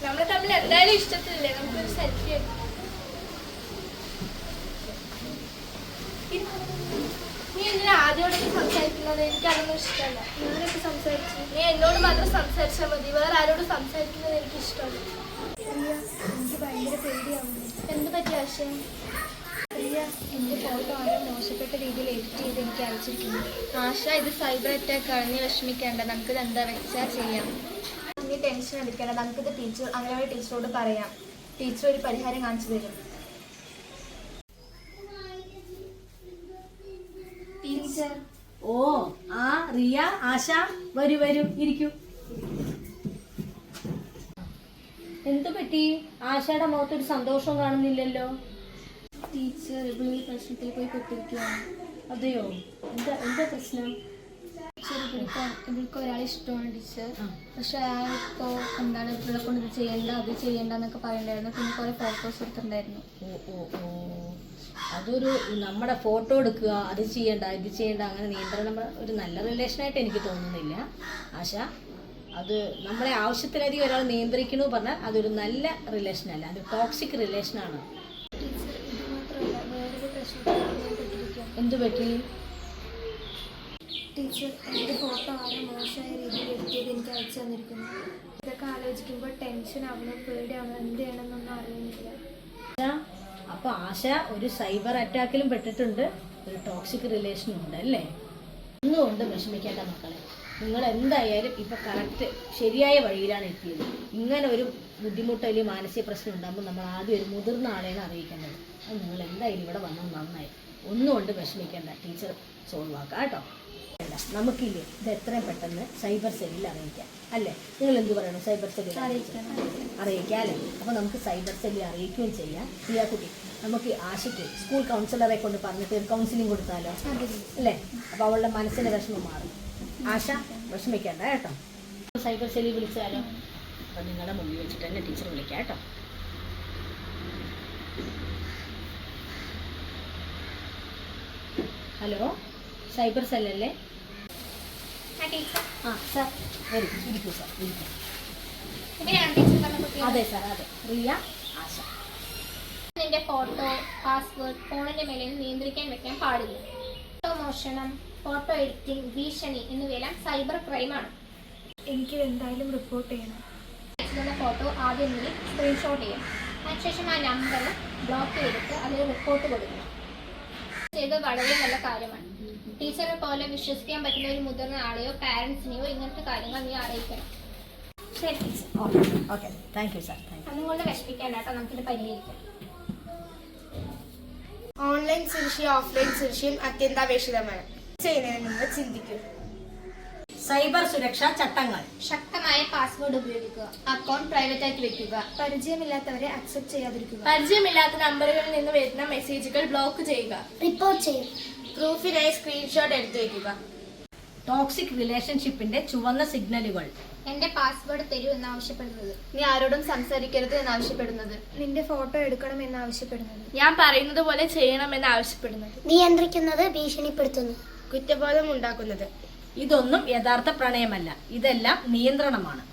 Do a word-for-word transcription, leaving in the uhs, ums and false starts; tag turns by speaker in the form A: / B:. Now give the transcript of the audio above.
A: നമ്മൾ തമ്മിൽ എന്തായാലും ഇഷ്ടത്തില്ലേ, നമുക്കൊരു സെൽഫി എടുക്കാം. നീ എന്തിനാ ആദ്യമോടൊക്കെ സംസാരിക്കുന്നത്? എനിക്കതൊന്നും ഇഷ്ടമല്ല. ഞാനൊക്കെ സംസാരിച്ചു. നീ എന്നോട് മാത്രം സംസാരിച്ചാൽ മതി, വേറെ ആരോട് സംസാരിക്കുന്നത് എനിക്ക് ഇഷ്ടമല്ല. എനിക്ക് ഭയങ്കര പേടിയാവുന്നു. എന്ത് പറ്റിയ ആശയം? പ്രിയ, എൻ്റെ ഫോട്ടോ ആരോ മോശപ്പെട്ട രീതിയിൽ എഡിറ്റ് ചെയ്ത് എനിക്ക് അയച്ചിരിക്കുന്നു. ആശ, ഇത് സൈബർ അറ്റാക്ക് ആണ്. നീ വിഷമിക്കേണ്ട, നമുക്കിത് എന്താ വെച്ചാൽ ചെയ്യാം. നീ ടെൻഷൻ എടുക്കേണ്ട, നമുക്കിത് ടീച്ചർ അങ്ങനെ ടീച്ചറോട് പറയാം. ടീച്ചർ ഒരു പരിഹാരം കാണിച്ചു തരും. ടീച്ചർ.
B: ഓ ആ റിയ, ആശ, വരൂ വരൂ, ഇരിക്കൂ. എന്തു പറ്റി? ആശയുടെ മുഖത്തൊരു സന്തോഷം കാണുന്നില്ലല്ലോ.
A: ടീച്ചർ ഇവിടെ പ്രശ്നത്തിൽ പോയി പെട്ടിരിക്കുകയാണ്.
B: അതെയോ? എന്താ എന്താ പ്രശ്നം?
A: ടീച്ചർ ഇവിടുത്തെ ഇവൾക്ക് ഒരാളെ ഇഷ്ടമാണ് ടീച്ചർ. പക്ഷെ അയാളിപ്പോ എന്താണ് ഇവിടെ കൊണ്ട് ഇത് ചെയ്യണ്ട അത് ചെയ്യണ്ട എന്നൊക്കെ പറയണ്ടായിരുന്നു. പിന്നെ കുറെ ഫോട്ടോസ് എടുത്തിട്ടുണ്ടായിരുന്നു.
B: ഓ ഓ ഓ അതൊരു നമ്മുടെ ഫോട്ടോ എടുക്കുക, അത് ചെയ്യണ്ട ഇത് ചെയ്യണ്ട, അങ്ങനെ നിയന്ത്രണം ഒരു നല്ല റിലേഷനായിട്ട് എനിക്ക് തോന്നുന്നില്ല ആശ. അത് നമ്മളെ ആവശ്യത്തിലധികം ഒരാൾ നിയന്ത്രിക്കണു പറഞ്ഞാൽ അതൊരു നല്ല റിലേഷനല്ല, അത് ടോക്സിക് റിലേഷനാണ്. എന്തു പറ്റി?
A: ടീച്ചർ, എൻ്റെ ഫോട്ടോ ആരോ മോശമായ രീതിയിൽ എഡിറ്റ് ചെയ്ത് എനിക്ക് അയച്ചു തന്നിരിക്കുന്നു. ഇതൊക്കെ ആലോചിക്കുമ്പോൾ ടെൻഷൻ ആവണം, പേടിയാവണം, എന്ത് ചെയ്യണമെന്നൊന്നും അറിയുന്നില്ല.
B: അപ്പൊ ആശ ഒരു സൈബർ അറ്റാക്കിലും പെട്ടിട്ടുണ്ട്, ഒരു ടോക്സിക് റിലേഷനും ഉണ്ട് അല്ലേ? ഒന്നുകൊണ്ട് വിഷമിക്കേണ്ട മക്കളെ, നിങ്ങൾ എന്തായാലും ഇപ്പൊ കറക്റ്റ് ശരിയായ വഴിയിലാണ് എത്തിയത്. ഇങ്ങനെ ഒരു ബുദ്ധിമുട്ട് അല്ലെങ്കിൽ മാനസിക പ്രശ്നം ഉണ്ടാകുമ്പോൾ നമ്മൾ ആദ്യം ഒരു മുതിർന്ന ആളെയാണ് അറിയിക്കേണ്ടത്. അത് നിങ്ങൾ എന്തായാലും ഇവിടെ വന്നാൽ നന്നായി. ഒന്നുകൊണ്ട് വിഷമിക്കേണ്ട, ടീച്ചർ സോൾവ് ആക്കാം കേട്ടോ. നമുക്കില്ലേ ഇത് എത്രയും പെട്ടെന്ന് സൈബർ സെല്ലിൽ അറിയിക്കാം അല്ലേ? നിങ്ങൾ എന്ത് പറയണം? സൈബർ സെല്ലിൽ അറിയിക്കാം അറിയിക്കാം അല്ലേ? അപ്പോൾ നമുക്ക് സൈബർ സെല്ലിൽ അറിയിക്കുകയും ചെയ്യാം. പ്രിയ കുട്ടി, നമുക്ക് ആശയ്ക്ക് സ്കൂൾ കൗൺസിലറെ കൊണ്ട് പറഞ്ഞിട്ട് ഒരു കൗൺസിലിംഗ് കൊടുത്താലോ അല്ലേ? അപ്പോൾ അവളുടെ മനസ്സിൻ്റെ വിഷമം മാറും. ആശ വിഷമിക്കേണ്ട കേട്ടോ. സൈബർ സെല്ലിൽ വിളിച്ചാലോ? അപ്പം നിങ്ങളുടെ മുമ്പിൽ വെച്ചിട്ട് തന്നെ ടീച്ചർ വിളിക്കാം കേട്ടോ. ഹലോ, സൈബർ സെല്ലല്ലേ? ആ സാർ വരും, ഇരിക്കൂ സാർ, ഇരിക്കൂ. അതെ സാർ, അതെ. റിയ, ആശ.
A: നിന്റെ ഫോട്ടോ, പാസ്വേഡ് ഫോണിന്റെ മേലെ നിയന്ത്രിക്കാൻ വെക്കാൻ പാടില്ല. ഫോട്ടോ മോഷണം, ഫോട്ടോ എഡിറ്റിംഗ്, ഭീഷണി എന്നിവയെല്ലാം സൈബർ ക്രൈമാണ്. എനിക്കിത് എന്തായാലും റിപ്പോർട്ട് ചെയ്യണം. അയച്ചിരുന്ന ഫോട്ടോ ആദ്യം നീ സ്ക്രീൻഷോട്ട് ചെയ്യണം. അതിനുശേഷം ആ നമ്പർ ബ്ലോക്ക് ചെയ്തിട്ട് അതിൽ റിപ്പോർട്ട് കൊടുക്കണം. ഇത് വളരെ നല്ല കാര്യമാണ്. ടീച്ചറെ പോലെ വിശ്വസിക്കാൻ പറ്റുന്ന ഒരു മുതിർന്ന ആളെയോ പാരന്റ്സിനെയോ ഇങ്ങനത്തെ കാര്യങ്ങൾ നീ അറിയിക്കണം. ശരി teacher.
B: Okay, thank you sir.
A: അതുകൊണ്ട് വിഷമിക്കേണ്ട കേട്ടോ, നമുക്കിത് പരിഹരിക്കാം.
C: ഓൺലൈൻ സുരക്ഷയും ഓഫ്ലൈൻ സുരക്ഷയും അത്യന്താപേക്ഷിതമാണ്. ചെയ്യുന്നതിന് മുമ്പ് ചിന്തിക്കൂ.
B: സൈബർ സുരക്ഷാ ചട്ടങ്ങൾ:
A: ശക്തമായ പാസ്വേഡ് ഉപയോഗിക്കുക. അക്കൗണ്ട് പ്രൈവറ്റ് ആക്കി വെക്കുക.
C: പരിചയമില്ലാത്തവരെ അക്സെപ്റ്റ് ചെയ്യാതിരിക്കുക.
A: പരിചയമില്ലാത്ത നമ്പറുകളിൽ നിന്ന് വരുന്ന മെസ്സേജുകൾ ബ്ലോക്ക് ചെയ്യുക.
C: റിപ്പോർട്ട് ചെയ്യും. പ്രൂഫിനായി സ്ക്രീൻഷോട്ട് എടുത്തു വെക്കുക.
B: ടോക്സിക് റിലേഷൻഷിപ്പിന്റെ ചുവന്ന സിഗ്നലുകൾ:
A: എന്റെ പാസ്വേഡ് തരൂ എന്നാവശ്യപ്പെടുന്നത്.
C: നീ ആരോടും സംസാരിക്കരുത് എന്നാവശ്യപ്പെടുന്നത്.
A: നിന്റെ ഫോട്ടോ എടുക്കണം എന്നാവശ്യപ്പെടുന്നത്. ഞാൻ പറയുന്നത് പോലെ ചെയ്യണം എന്നാവശ്യപ്പെടുന്നത്.
C: നിയന്ത്രിക്കുന്നത്, ഭീഷണിപ്പെടുത്തുന്നു, കുറ്റബോധം ഉണ്ടാക്കുന്നത്.
B: ഇതൊന്നും യഥാർത്ഥ പ്രണയമല്ല, ഇതെല്ലാം നിയന്ത്രണമാണ്.